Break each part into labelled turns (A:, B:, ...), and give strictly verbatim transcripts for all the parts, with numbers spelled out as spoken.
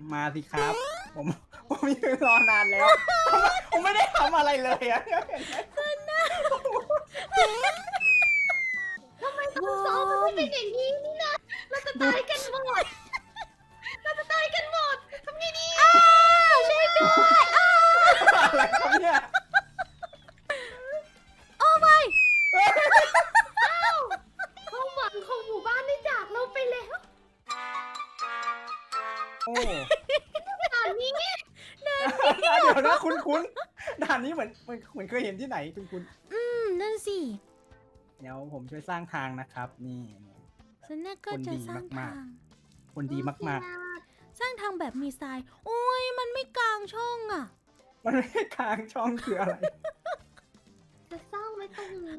A: มาสิครับผมผมยืนรอนานแล้วผมไม่ได้ทำอะไรเลยอะ
B: ทำไมต้องซ้อมมันไม่เป็นอย่างนี้นี่นะเราจะตายกันหมดเราจะตายกันหมดทำไงดีช่วยด้วย
A: อะไรครับเนี่ย
B: โอ้ไม่ความหวังของหมู่บ้านได้จากเราไปแล้ว
A: โอ้
B: ด่านนี้
A: เดี๋ยวนะคุณคุณด่านนี้เหมือนเหมือนเคยเห็นที่ไหนคุณคุณ
B: อืมนั่นสิ
A: เดี๋ยวผมช่วยสร้างทางนะครับนี่
B: ฉันน่าก็จะสร้างทาง
A: คนดีมาก
B: ๆสร้างทางแบบมีทรายโอ้ยมันไม่กลางช่องอ่ะ
A: มันไม่กลางช่องคืออะไร
B: จะสร้างไว้ตรงนี้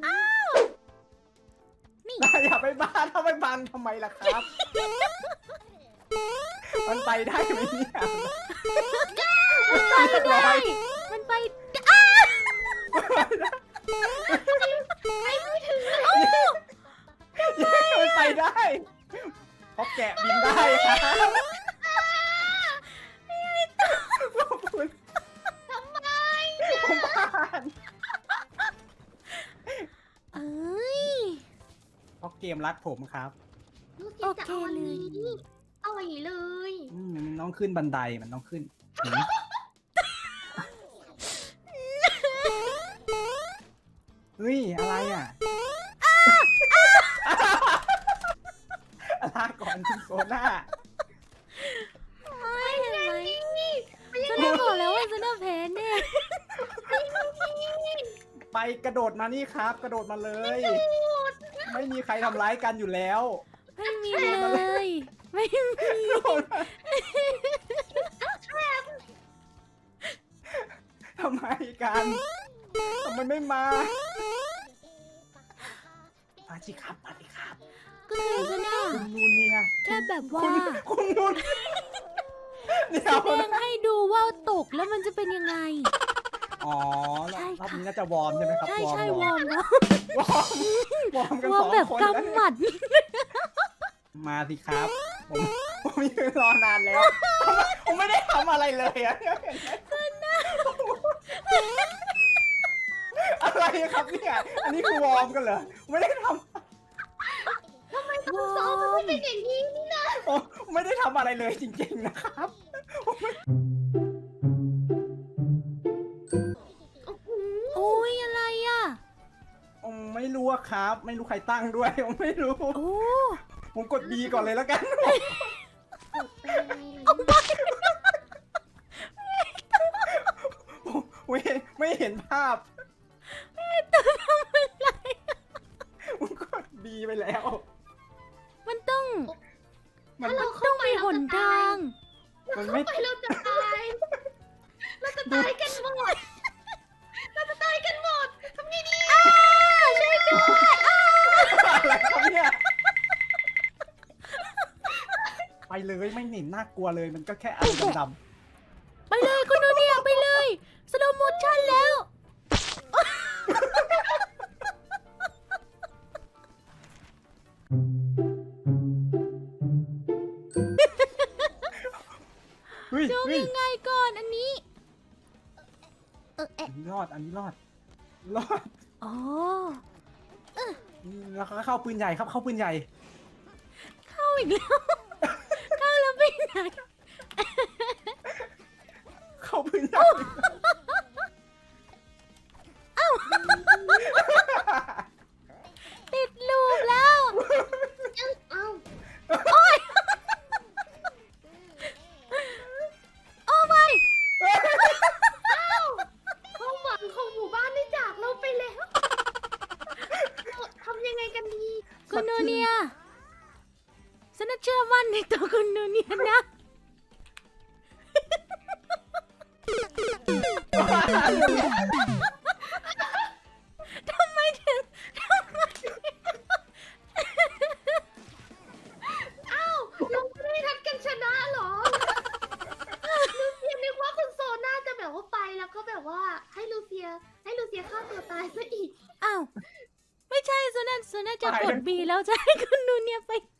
A: นี่อย่าไปบ้านถ้าไปบังทำไมล่ะครับมันไปได้ไหมเนี่ย
B: มันไปได้มันไปอ้าไปไม่ถึงเลย
A: มันไปได้เพราะแกะบินได้ครับ
B: ทำไม
A: ผมผ่าน
B: เอ้ย
A: เพราะเกมรักผมครับ
B: โอเคเลยอร่อยเลย
A: มันต้องขึ้นบันไดมันต้องขึ้นเฮ้ยอะไรอ่ะลาก่อนคุณโซน่า
B: ไม่เห็นไหมฉันได้บอกแล้วว่าฉันจะแพ้เนี่ย
A: ไปกระโดดมานี่ครับ กระโดดมาเลย ไม่มีใครทำร้ายกันอยู่แล้ว
B: ไม่มีเลยไม่มี
A: ทำไมกันทำไมไม่มามาสิครับมาสิครับ
B: ก็คือฉันอะ
A: คุณนูนเนี่ย
B: แค่แบบว่า
A: คุณนูน
B: แสดงให้ดูว่าตกแล้วมันจะเป็นยังไง
A: อ๋อรอบนี้น่าจะวอร์มใช่ไหมครับ
B: ใช่ใช่วอร์มแล้ว
A: วอร์มวอร์มกันสองคน
B: แบบกำหมัด
A: มาสิครับผมผมยืนรอนานแล้วผมไม่ได้ทำอะไรเลยอะอะไรครับเนี่ยอันนี้คือวอร์มกันเหรอไม่ได้ทำ
B: ทำไมต้องซ้อมมันไม่เป็นอย่างนี้นี่นะ
A: ไม่ได้ทำอะไรเลยจริงๆนะครับ
B: โอ้ยอะไรอ่ะ
A: ไม่รู้ครับไม่รู้ใครตั้งด้วยผมไม่รู้ผมกด B ก่อนเลยแล้วกันไม่ไม่เห็นภาพ
B: ตัวทำอะไร
A: ผมกด B ไปแล้ว
B: มันต้อง
A: มัน
B: ต้องมีหนทาง
A: มัน
B: ไม่ไปเราจะตายเราจะตายกันหมดเราจะตายกันหมดทำไงดีช่วยด้วย
A: อะไรครับเนี่ยไปเลยไม่เห็นน่ากลัวเลยมันก็แค่อะไรดำ
B: ๆไปเลยคุณดูเนี่ยไปเลยสโลโมชั่นแล้วดูยังไงก่อนอันนี้เออเอ๊ะ
A: รอดอันนี้รอดรอด
B: อ๋อ
A: แล้วก็เข้าปืนใหญ่ครับเข้าปืนใหญ่
B: เข้าอีกแล้วเข้าแล้วไปไหน
A: เข้าปืนใหญ่
B: เอ้าติดลูปแล้วเอ้าโอ้ยโอ้ไม่เอ้าความหวังของหมู่บ้านได้จากเราไปแล้วทำยังไงกันดีคุณนูเนียฉันเชื่อมั่นในตัวคุณนูเนียนะทำไมถึงทำไมเอ้าเราไม่ได้ทัดกันชนะหรอลูเซียนึกว่าคุณโซน่าจะแบบว่าไปแล้วก็แบบว่าให้ลูเซียให้ลูเซียฆ่าตัวตายซะอีกอ้าวไม่ใช่โซน่าโซน่าจะกดบีแล้วจะให้คุณนูเนียไป